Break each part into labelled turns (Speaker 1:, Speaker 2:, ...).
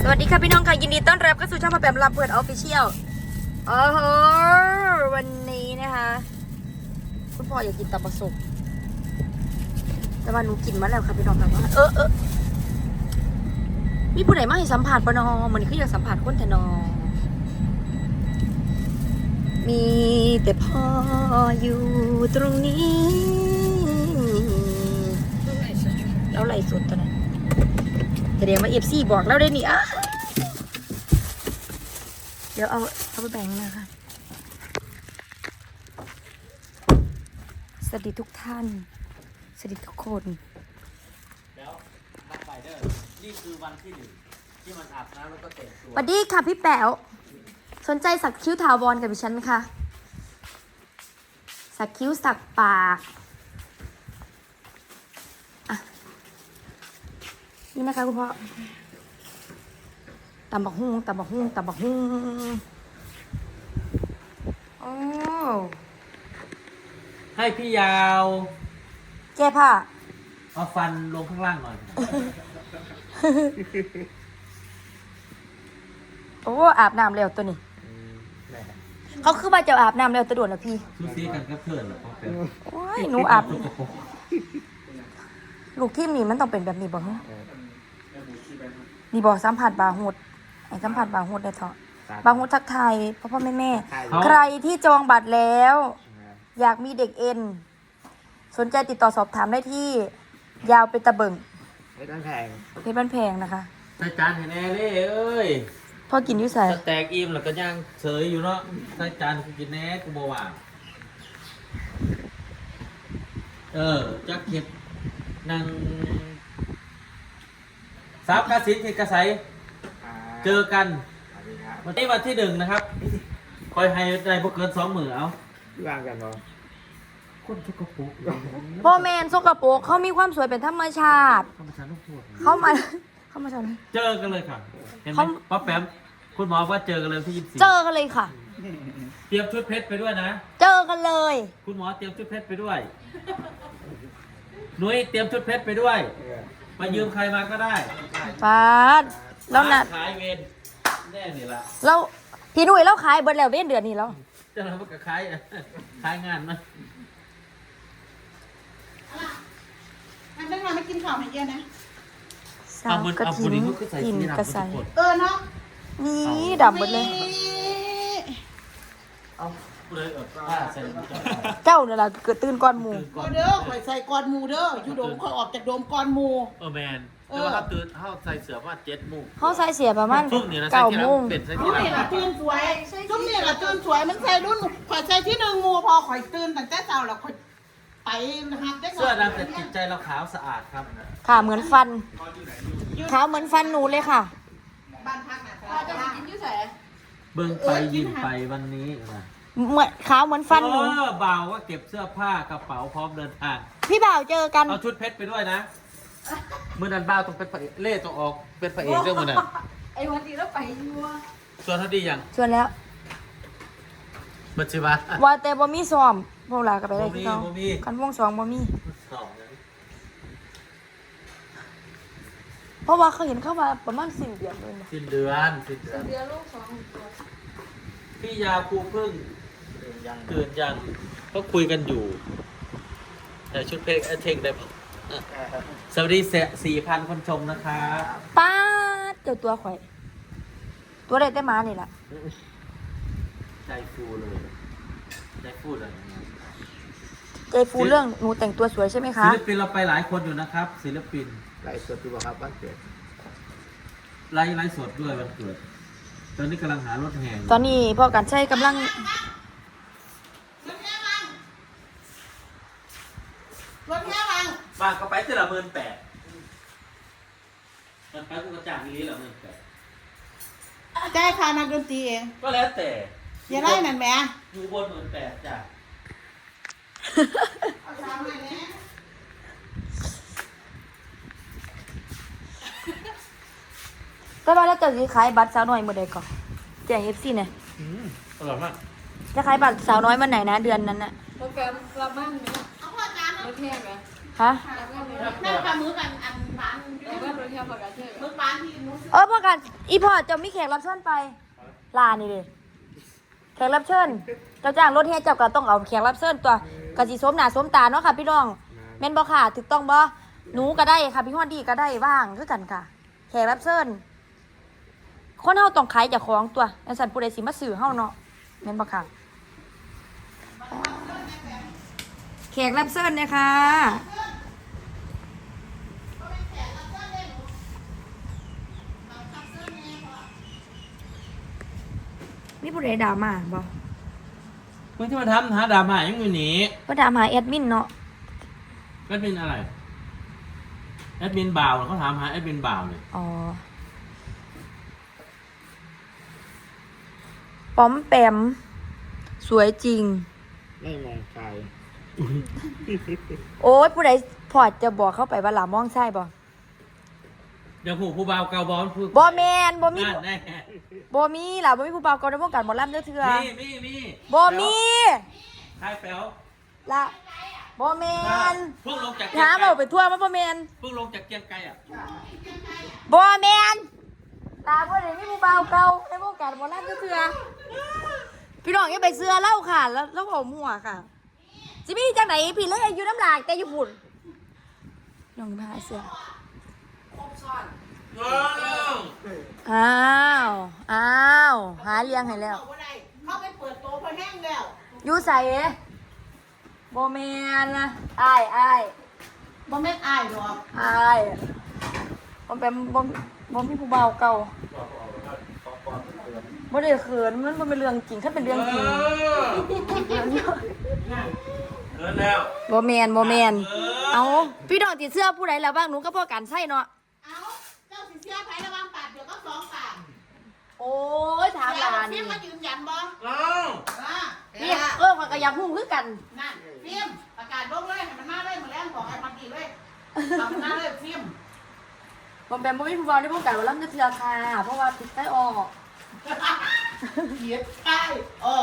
Speaker 1: สวัสดีค่ะพี่น้องค่ะยินดีต้อนรับเข้าสู่ช่องพ่อแปมลำเปิดออฟฟิเชียลโอ้โหวันนี้นะคะคุณพ่ออยากกินตับปลาสุกแต่ว่าหนูกินมาแล้วค่ะพี่น้องค่ะว่ามีผู้ใดมาให้สัมผัสปะนอมันคืออยากสัมผัสคนแต่นอมีแต่พ่ออยู่ตรงนี้แล้วไหลสุดตัวนั้นแสดงว่าเอฟซีบอกเราได้นี่อ่ะเดี๋ยวเอาไปแบ่งนะคะสวัสดีทุกท่านสวัสดีทุกคน
Speaker 2: แล้วนับไปเด้อนี่คือวันที่หนึ่งที่มันอาบน้ำแล้วก็แต่งตัว
Speaker 1: สวัสดีค่ะพี่แป๋วสนใจสักคิ้วถาวรกับดิฉันไหมคะสักคิ้วสักปากอ่ะนี่นะคะคุณพ่อตำบักหุ่งตำบักหุ่งตำบักหุ่งโอ้
Speaker 2: ให้พี่ยาว
Speaker 1: แก้ผ้า
Speaker 2: เอาฟันลงข้างล่างหน่อย
Speaker 1: โอ้อาบน้ำแล้วตัวนี้เขาคือว่าจะอาบน้ำแล้วตัวด่วนแล้วพี่
Speaker 2: ซูซีกันก็เพื่อนเหรอพ่อแป๊บ
Speaker 1: โอ้ยหนูอาบลูกทีมนี่มันต้องเป็นแบบนี้บ่ฮะนี่บอกสัมผัสบาหุดไอ้สัมผัสบาหุดได้เถอะบาหุดทักทายพ่อแม่ใครที่จองบัตรแล้ว อยากมีเด็กเอ็นสนใจติดต่อสอบถามได้ที่ยาวเป็นตะเบิง
Speaker 2: ไม่ต้องแพง
Speaker 1: เพชรบ้านแพงนะคะ
Speaker 2: ใส่จานเห็นแน่เลยเอ้ย
Speaker 1: พ่อกินอยุ่ใส่
Speaker 2: สแต็กอิ่มแล้วก็ย่างเฉยอยู่เนาะใส่จานกูกินแน่กูบ่ว่างจักเก็บนั่งซับกระสินที่กระใสเจอกันวันนี้วันที่หนึ่งนะครับคอยให้ได้พวกเกิน2 มื้อเอา
Speaker 3: ที่วางกันเนาะ
Speaker 2: คนทุกกระปุก
Speaker 1: พ่อแม่นสกปรกเขามีความสวยเป็นธรรมชาติ
Speaker 2: เข้ามาชั้นลูกพูด
Speaker 1: เขามาทำไม
Speaker 2: เจอกันเลยค่ะเห็นไหม
Speaker 1: เขา
Speaker 2: ป๊อปแปมคุณหมอว่าเจอกันเลยที่24
Speaker 1: เจอกันเลยค่ะ
Speaker 2: เตรียมชุดเพชรไปด้วยนะ
Speaker 1: เจอกันเลย
Speaker 2: คุณหมอเตรียมชุดเพชรไปด้วยนุ้ยเตรียมชุดเพชรไปด้วยมายืมใครมาก็ได้
Speaker 1: ปาดแล้วนะ
Speaker 2: ขายเวรแน่นี่ละ
Speaker 1: เราพี่หนุ่ยเราขายเบิดแล้วเว้นเดือนนี้แล้ว
Speaker 2: จะทำกับขายขายงานนะ
Speaker 4: อันนั้นมาไม่กินข้าวให้เยอะนะ
Speaker 1: สาวกระถินกินกระใส
Speaker 4: เนาะ
Speaker 1: นี่ดับหมดเลย
Speaker 2: เอาเลยผ้าใส่
Speaker 1: เจ้าเนี่ยล่ะเกิดตื่นก่อนหมู่
Speaker 4: ก็เด้อข่อยใส่ก้อนหมูเด้ออยู่โดมข่อยออกจากโดมก้อนหมู
Speaker 2: แมนแต่ว่าเขาตื่นเขาใส่เสื้อมา7 โมง
Speaker 1: เขาใส่เสียประมาณ
Speaker 2: ทุ่มนี่นะใส่ที่
Speaker 1: 9 โม
Speaker 2: ร้าน
Speaker 1: ง
Speaker 2: เป็นใส่
Speaker 4: จุ๊
Speaker 2: ที่
Speaker 4: บ
Speaker 2: ร้า
Speaker 4: นี่ล่ะ
Speaker 2: น
Speaker 4: ตื่นสวยจุ๊บนี่ล่ะตื่นสวยมันใส่รุ่นข่อยใส่ที่1 หมู่พอข่อยตื่นตั้งแต่เช้าแล้วข่อยไปหับได้
Speaker 2: เสื้อดำแต่จิตใจเราขาวสะอาดครับ
Speaker 1: ค่ะเหมือนฟันขาวเหมือนฟันหนูเลยค่ะ
Speaker 4: บ้านพักน่ะ
Speaker 5: จะไปกินยุ่แส
Speaker 2: เบิ่งไปยิ้มไปวันนี้นะ
Speaker 1: เหมือนขาวเหมือนฟันหนู
Speaker 2: เบาว่าเก็บเสื้อผ้ากระเป๋าพร้อมเดินทาง
Speaker 1: พี่บ่าวเจอกัน
Speaker 2: เอาชุดเพชรไปด้วยนะมือนันบ้าวต้องเป็นพระเอกเล่ต้องออกเป็นพระเอกเรื่องมือนัน
Speaker 5: ไอ้วันที่เราไปยัว
Speaker 2: ส่วนเท่าดีอย่าง
Speaker 1: ชวนแล้ว
Speaker 2: บัญชีวะ
Speaker 1: ว่าแต่บ่มีซ้อมพวกเราก็ไปได้ที่เขา
Speaker 2: บ่มี
Speaker 1: กันวงสองบ่มี
Speaker 2: สองเลย
Speaker 1: เพราะว่าเขาเห็นเข้ามาประมาณสิ้นเดือนเลยนะ
Speaker 2: สิ้นเดือนสิ้นเดือน
Speaker 5: เดือนลูก2 ตัว
Speaker 2: พี่ยาครูพึ่งตื่นยังก็คุยกันอยู่แต่ชุดเพลงเทงได้ปะสวัสดี4,000 คนชมนะครับ
Speaker 1: ป้าดเจ้าตัวข่อย ตัวได้แต่หมานี่ล่ะ
Speaker 2: ใจฟูเลยใจฟูเลย
Speaker 1: ใจฟูเรื่องหนูแต่งตัวสวยใช่ไหมคะ
Speaker 2: ศิลปินเราไปหลายคนอยู่นะครับ ศิลปิน
Speaker 3: ไหลสดดูบ่ครับบ้านเกิด
Speaker 2: ไลฟ์สดด้วยวันเกิดตอนนี้กำลังหารถแห่อยู่
Speaker 1: ตอนนี้พ่อกันใช้กำลัง
Speaker 4: รถแค่วัง
Speaker 2: บ้านก็ไปแต่ละ18,000มันไปกูกระจ่างนี้ละ18,000
Speaker 4: จ่ายค่านักดนตรีเอง
Speaker 2: ก็แล้วแต่
Speaker 4: อย่าได้นั่นแหม
Speaker 2: อยู่บน18,000จ้ะ
Speaker 4: เอาตามมาแน่
Speaker 1: แต่ว่าแล้วเจะสิขายบัตรสาวน้อยเมื่อใดก่อนแจ้ง FC เนี่ย
Speaker 2: อร่อยมาก
Speaker 1: จะขายบัตรสาวน้อยวันไหนนะเดือนนั้นน่ะ
Speaker 5: โปรแกรมกลับบ้านไหม
Speaker 4: เอาพ่อจาน
Speaker 5: ไม่แพงไหม
Speaker 1: ฮฮะ
Speaker 4: แม่ปลาหมึกอันร้าน
Speaker 5: แต่ว่าเราเที่ยวปกติ
Speaker 4: หมึกร้านที่หมูซื้อ
Speaker 1: พอกันอีพอเจะมีแขกรับเชิญไปลานี่เลยแขกรับเชิญเจ้าจ้างรถแห่เจ้าก็ต้องเอาแขกรับเชิญตัวกะสิสมหน้าสมตาเนาะค่ะพี่น้องแม่นบ่ค่ะถูกต้องบ่หนูก็ได้ค่ะพี่ฮอดดีก็ได้ว่างคือกันค่ะแขกรับเชิญคนเฮาต้องขายเจ้าของตัวจังซั่นผู้ใดสิมาซื้อเฮาเนาะแม่นบ่ค่ะแขกรับเชิญเนี่ยค่ะมีผู้ใดด่ามาบ่
Speaker 2: มึงที่มาทำหาดราม่ายังอยู่หนี
Speaker 1: ก็ถามหาแอดมินเนาะ
Speaker 2: แอดมินอะไรแอดมินบ่าวเขาถามหาแอดมินบ่าวเลย
Speaker 1: อ๋อปอมแปมสวยจริง
Speaker 3: ไม่มองไกล
Speaker 1: โอ้ยผู้ใดพอจะบอกเข้าไปว่าหลามองใช่บ่
Speaker 2: เดี๋ยวผู้บ่าวเกาบอลพูด
Speaker 1: บ่แมนบ่มี
Speaker 2: นั่นแน่
Speaker 1: บ่มีหล่ะบ่มีผู้บ่าวเก่าในวงการหมอลำเด้อเถื่อ
Speaker 2: มี
Speaker 1: บ่มี
Speaker 2: ใครแป๋ว
Speaker 1: ละบ่แมน
Speaker 2: เพิ่งลงจาก
Speaker 1: ถามเอาไปทั่วมาบ่แมน
Speaker 2: เพิ่งลงจากเกียงไกรอ่ะ
Speaker 1: บ่แมนลาบ่ได้มีผู้บ่าวเก่าในวงการหมอลำเด้อเถื่อพี่น้องอย่าไปเชื่อเล่าค่ะแล้วเอามั่วค่ะสิมีจังไหนพี่เลยอยู่น้ำลายแต่อยู่พุ่นน้องพาเสื้อ อ้าวหาเลี้ยงให้แล้ว
Speaker 4: เอาบ่ได้เข้าไปเปิดโต๊ะพอแห้งแล้ว
Speaker 1: อยู่ใส่โบแมนนะอ้าย
Speaker 4: บ่แม่นอายหรอก
Speaker 1: ผมเป็นบ่มีผู้บ่าวเก่าบ่ได้เขินมันบ่เป็นเรื่องจริงถ้าเป็นเรื่องจริง
Speaker 2: เออแล้ว
Speaker 1: บ่แมนเอาพี่น้องติดเสื้อผู้ใดแล้วบ้างหนูก็พอกันใช่เนาะ
Speaker 4: เอาเจ้าสิเสียไประวังปากเดี๋ยวก็สองปาก
Speaker 1: โอ้ยถามหลาน
Speaker 4: ฟิ
Speaker 1: นี่
Speaker 4: ล์มมายืนยันบ่
Speaker 2: เอ้า
Speaker 1: นี่ข้อยก็อยากฮู้คือกัน
Speaker 4: นั่นฟิล์มประกาศลงเลยให้มันมาเลยมาแรงบอกไอ้มันดีเลยทำหน้าเลยฟิล์ม
Speaker 1: ผมเป็นบ่มีผู้บ่าวในวงการบ่ลำเทื่อค่ะเพราะว่าติดใต้ออก
Speaker 4: เขียดใช่อ๋อ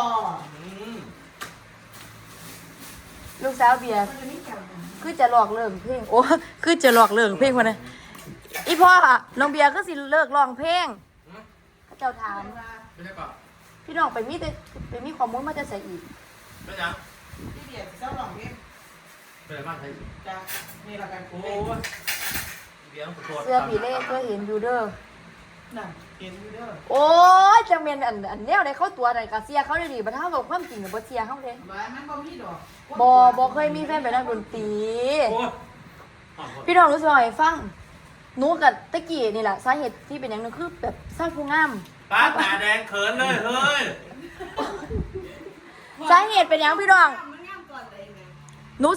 Speaker 1: ลูกสาวเบียร์คือจะหลอกเลิกเพลงโอ้คือจะหลอกเลิกเพลงวะนะอีพ่อน้องเบียร์ก็สิเลิกร้องเพลงเขาเจ้าถาม
Speaker 2: ไม่ใช่ก่อน
Speaker 1: พี่น้องไปมีข้อมูลมาจะใส่อีก
Speaker 2: ไม่ยัง
Speaker 4: ที่เดียดเจ้าหลองนี่
Speaker 2: เป็นบ้านใคร
Speaker 4: จะมีอะไรกัน
Speaker 2: โอ้ยเดี๋ยวขอโทษ
Speaker 1: เสื้อผีเล่ก็เห็นอยู่เด้อ
Speaker 4: นั่นเห็นอยู่เด้อ
Speaker 1: โอ้ยจังเมนอันแนวในเขาตัวไหนกะเสียเขาเลยดิบัดเท่ากับความจริงกับบ่เสียเขาเลย
Speaker 4: ว่ามันบ่มีดอก
Speaker 1: บ่เคยมีแฟนเป็นนักดนตรี
Speaker 2: โอ้ย
Speaker 1: พี่น้องรู้สึกว่าไงฟังหนูกับตะกี้นี่แหละสาเหตุที่เป็นอย่างนึงคือแบบสร้างผู้งาม
Speaker 2: ป้าตาแดงเขินเลยเฮ้ย
Speaker 1: สาเหตุเป็นอย่างพี่น้อง
Speaker 4: มัน